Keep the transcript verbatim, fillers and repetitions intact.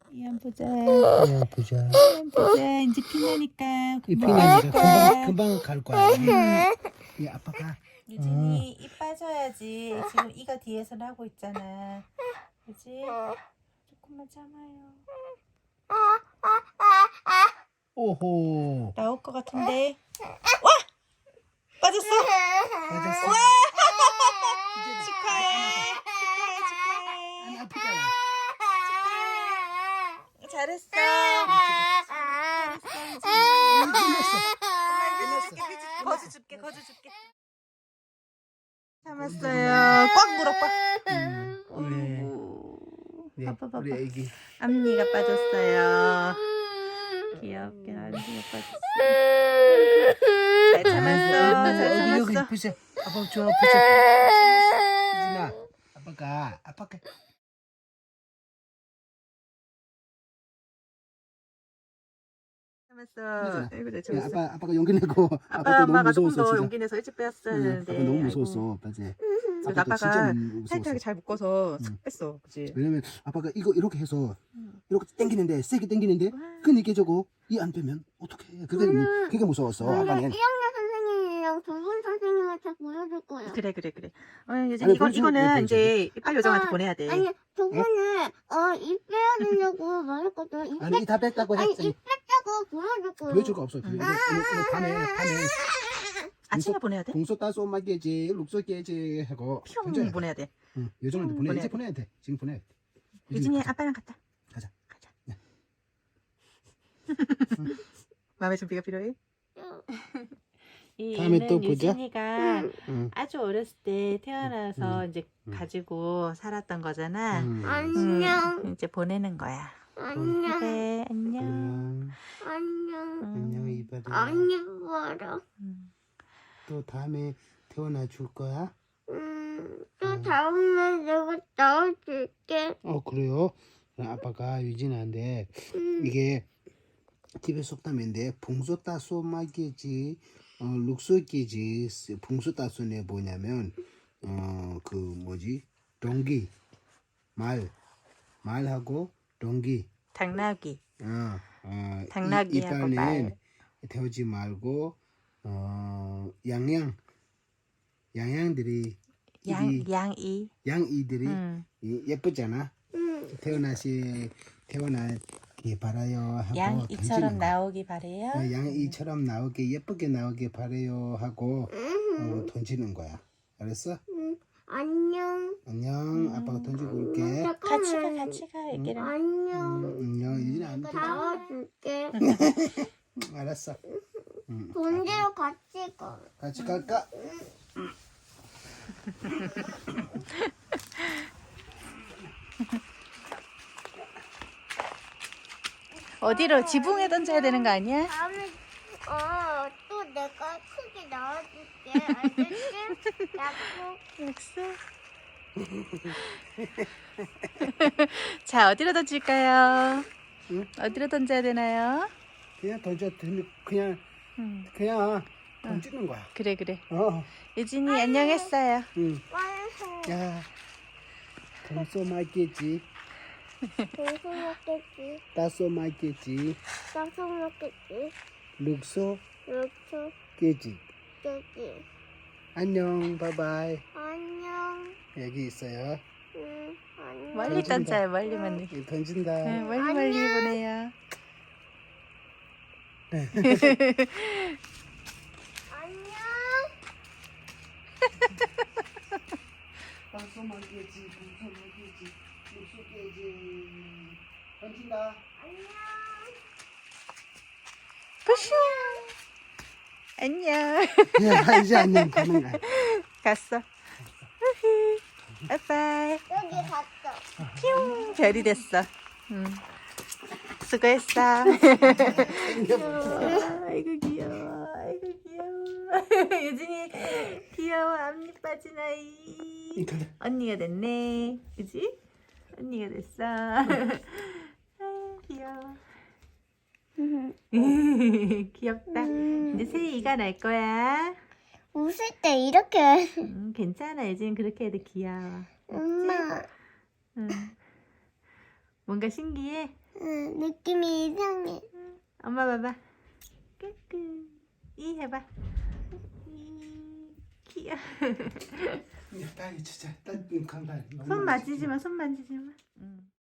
이안 보자. 그냥 보자. 이안 보자. 이제 피나니까. 이 금방 피나니까 갈 거야. 금방 금방 갈 거야. 이 아빠가 유진이 이 빠져야지. 지금 이가 뒤에서 나고 있잖아. 그지? 조금만 참아요. 오호 나올 것 같은데. 와! 빠졌어? 맞았어. 와! 이제 축하해. 안 축하해. 아프잖아. 축하해. 잘했어. 끝났어. 거즈 줄게, 거즈 줄게. 참았어요. 꽉 물어, 꽉. 음, 네. 어이구. 네, 봐봐, 봐봐. 우리 애기. 앞니가 빠졌어요. 귀엽게 앞니가 빠졌어. 잘 참았어. 잘 여기 참았어. 보자. 아빠 줘 보자. 유진아, 아빠가 아빠가. 참았어. 아이고, 내 야, 참았어. 아빠 아빠가 용기 내고 아빠, 아빠도 너무 엄마가 조금 무서웠어 더 진짜. 용기 내서 일찍 빼었어야 응, 되는데. 아빠 너무 아이고. 무서웠어, 맞지? 그래서 아빠도 진짜 아빠가 무서웠어. 타이트하게 잘 묶어서 응. 싹 뺐어. 그치? 왜냐면 아빠가 이거 이렇게 해서 응. 이렇게 당기는데 세게 당기는데 와. 그니까 저거 이 안 빼면 어떡해? 그게 무- 그게 무서웠어 아빠는. 일 학년 선생님이랑 돌봄 선생님한테 보여줄 거야. 그래, 그래, 그래. 어, 유진, 아니, 이건, 보여주면 이거는 돼, 이제 이빨 요정한테 아빠, 보내야 돼. 아니, 저번에 어, 입 빼야 되냐고 말했거든. 입 아니 뺐, 이 다 뺐다고 아니, 했더니 입 뺐다고 보여줄 거야. 보여줄 거 없어. 그 오늘, 오늘, 오늘 밤에 밤에 아침에 보내야 돼? 공소 따서 엄마게지 룩소 깨지 하고 뿅 던져야 보내야 돼. 응, 요정한테 음, 보내. 보내야 이제 돼. 보내야 돼. 지금 보내야 돼. 유진이 가자. 아빠랑 갔다. 가자. 가자. 네. 마음의 준비가 필요해? 이 다음에 애는 또 보자. 유진이가 응. 아주 어렸을 때 태어나서 음, 이제 음. 가지고 살았던 거잖아. 응. 안녕. 음, 이제 보내는 거야. 안녕. 그래, 안녕. 안녕. 안녕. 음, 안녕 이발이. 안녕, 봐라. 음. 또 다음에 태어나 줄 거야? 음, 또 다음에 내가 나와줄게. 어 그래요? 그럼 아빠가 유진한테 음, 이게 집에 속담인데 봉소 따소 마게지 어 룩소 깨지 봉소 따소네 뭐냐면 어 그 뭐지 동기 말 말하고 동기 당나귀. 어, 어 당나귀하고 이, 이빨은 말. 태우지 말고 어 양양 양양들이 양, 이리- 양이. 양이들이 음. 이- 예쁘잖아. 음, 태어나시 태어나기 바라요 하고 양이처럼 던지는 거야. 나오기 바래요. 어, 양이처럼 나오게 예쁘게 나오게 바래요 하고 음, 어, 던지는 거야. 알았어? 음, 안녕. 안녕. 아빠가 던지고 올게. 같이 가, 같이 가, 애기랑. 안녕. 음, 안녕. 유진아 안 내가 던져. 나와줄게. 알았어. 음, 본대로 같이 가. 같이 갈까? 어디로? 지붕에 던져야 되는 거 아니야? 다음에 어, 또 내가 크게 나와줄게. 알겠지? 약속. 약속. 자, 어디로 던질까요? 응? 어디로 던져야 되나요? 그냥 던져. 던- 그냥 음, 그냥 던지는 거야. 그래, 그래. 어. 유진이 안녕했어요. 응. 완성. 야. 동소 맛겠지. 동서 먹겠지. 따소 맛겠지. 따서 먹겠지. 룩소 이렇게 깨지. 깨지. 안녕. 바이바이. 안녕. 여기 있어요. 응, 안녕. 멀리 던진다. 던져요, 멀리, 멀리. 여기 던진다. 네, 멀리, 멀리 보내요. 안녕. 따소 맛겠지. 동소 맛겠지. 룩소 깨지. 던진다. 안녕. 푸슈. 안녕. 야, 이제 안녕. 가는 거야. 갔어. 우후. 빠이빠이. 여기 갔어. 뿅. 별이 됐어. 응. 수고했어. 아이고 귀여워. 아이고 귀여워. 유진이 귀여워. 앞니 빠진 아이. 가자. 언니가 됐네. 그지? 언니가 됐어. 아유, 귀여워. 귀엽다. 이제 새 이가 날 거야. 웃을 때 이렇게. 음, 괜찮아. 유진 그렇게 해도 귀여워. 엄마. 응. 뭔가 신기해? 응, 느낌이 이상해. 엄마 봐봐. 끄끄. 이 해봐. 이 귀여워. 딸이 진짜 딸 강단. 손 만지지 마. 손 만지지 마. 응.